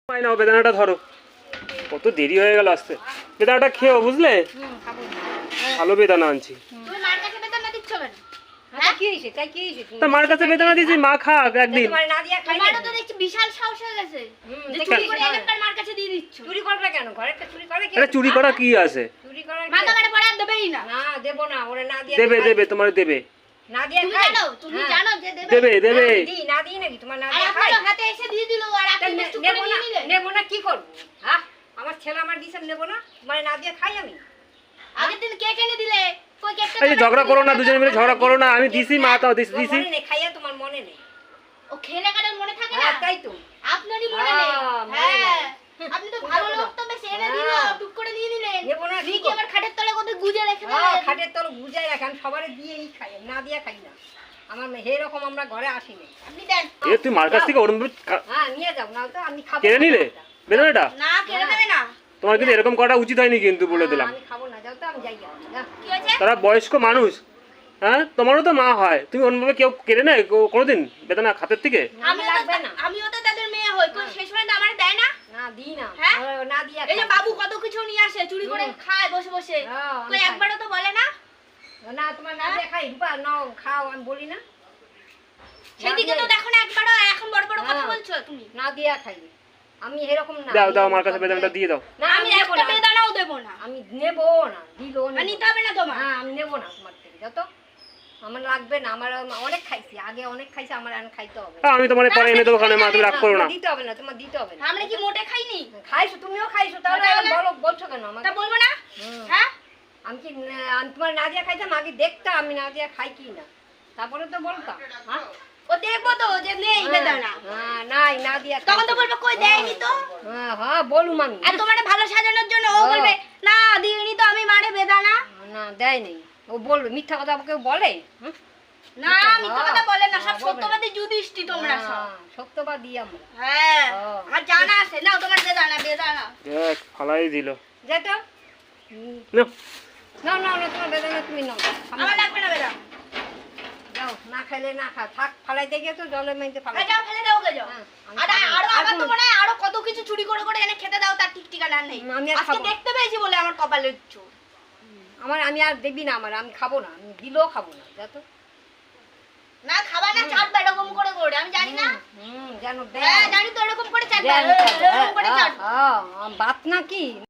পাই নাও, বেদানাটা ধরো। কত দেরি হয়ে গেল আসতে। বেদানাটা খেও, বুঝলে? ভালো বেদানা আনছি। তা মার কাছে বেদানা দিয়েছি, মা খাক একদিন। চুরি করা কি আছে? দেবে দেবে, তোমার দেবে। দেবে দেবে। আমার ছেলে আমার দিছে নেবো না, মানে না দিয়ে খাই আমি। আগের দিন কেক এনে দিলে, কই কেকটা? এই ঝগড়া করো না, দুজনে মিলে ঝগড়া করো না। আমি দিছি, মা তাও দিছি। মনে নেই, খাইয়া তোমার মনে নেই। ও খেলে কাটার মনে থাকে না? তাই তো। আপনারই মনে নেই। হ্যাঁ, আপনি তো ভালো লোক, তো বেশ এনে দিল, টুক করে দিয়ে দিলেন। নেবো না, কি আবার খাটের তলে কত গুজে রেখে দিলেন। হ্যাঁ, খাটের তলে গুজাই রাখি, আমি সবারে দিয়েই খাই, না দিয়ে খাই না। আমার এরকম আমরা ঘরে আসিনি। আপনি দেন। এ তুই মার কাছ থেকে ওরম হ্যাঁ, নিয়ে যাও, না তো আমি খাবো। কেড়ে নিলে বেদানাটা? না, কেড়ে নেবে না। তোমার কিন্তু এরকম করা উচিত হয়নি, কিন্তু বলে দিলাম। আমি খাবো না, যাও তো, আমি যাই। কি হয়েছে? তারা বয়স্ক মানুষ। হ্যাঁ, তোমারও তো মা হয়। তুমি অন্যভাবে কেউ কেড়ে নেয় কোনোদিন বেদানা খাতের থেকে? আমি লাগবে না। আমিও তো তাদের মেয়ে হই, কই সেই সময় তো আমার দেয় না? না দিই না। হ্যাঁ? না দিয়া এই যে বাবু কত কিছু নিয়ে আসে, চুরি করে খায় বসে বসে। হ্যাঁ, কই একবারও তো বলে না? না, তোমার না দিয়ে খাই, রূপা নাও খাও, আমি বলি না। সেদিকে তো দেখো না একবারও, এখন বড় বড় কথা বলছো তুমি। না দিয়া খাই আমি, এরকম না। দাও দাও, আমার কাছে বেদানাটা দিয়ে দাও। না, আমি একটা বেদানাও দেব না। আমি নেবো না, দিলো না। নিতে হবে না তোমার। হ্যাঁ, আমি নেবো না তোমার থেকে, যত আমার লাগবে না। আমার অনেক খাইছি, আগে অনেক খাইছি, আমার এখন খাইতে হবে। আমি তোমার পরে এনে দেবো, ওখানে মা তুমি রাগ করো না। দিতে হবে না, তোমার দিতে হবে না। আমরা কি মোটে খাইনি? খাইছো, তুমিও খাইছো, তাহলে বলছো কেন আমাকে? তা বলবো না? হ্যাঁ? আমি কি আমি তোমার না দিয়া খাইতাম? আগে দেখতাম আমি না দিয়া খাই কি না, তারপরে তো বলতাম। হ্যাঁ, ও দেখবো তো যে নেই বেদানা। হ্যাঁ, নাই, না দিয়া তখন তো বলবো কই দেয়নি তো। হ্যাঁ হ্যাঁ, বলুম আমি। আর তোমারে ভালো সাজানোর জন্য ও বলবে না দিইনি তো আমি মারে বেদানা। না, দেয় নেই। ও বলবে মিথ্যা কথা, কেউ বলে? না, মিথ্যা কথা বলে না, সব সত্যবাদী যুধিষ্ঠির তোমরা সব। সত্যবাদী আমরা। হ্যাঁ, আমার জানা আছে। নাও তোমার বেদানা, বেদানা। দেখ, ফালাই দিল। যেটা নাও। না না না, তোমার বেদনা তুমি নাও। আমার লাগবে না বেদানা। যাও, না খাইলে না খা, থাক, ফালাইতে গিয়ে তো জলের মধ্যে ফালাই। যাও ফেলে দাও, গে যাও। হ্যাঁ, আর আমার তো মনে হয় আরো কত কিছু চুরি করে করে এনে খেতে দাও, তার ঠিক ঠিকানা নেই। আমি আর আজকে খাবো না। দেখতে পেয়েছি বলে আমার কপালে চোর। আমি আর দেখবি না, আমি খাবো না, আমি দিলেও খাবো না, যা তো। না খাবা না, চাটবা এরকম করে করে, আমি জানি না। জানো, হ্যাঁ জানি তো, এরকম করে চাটবা, দেয়, এরকম করে চাটবা। বাত নাকি?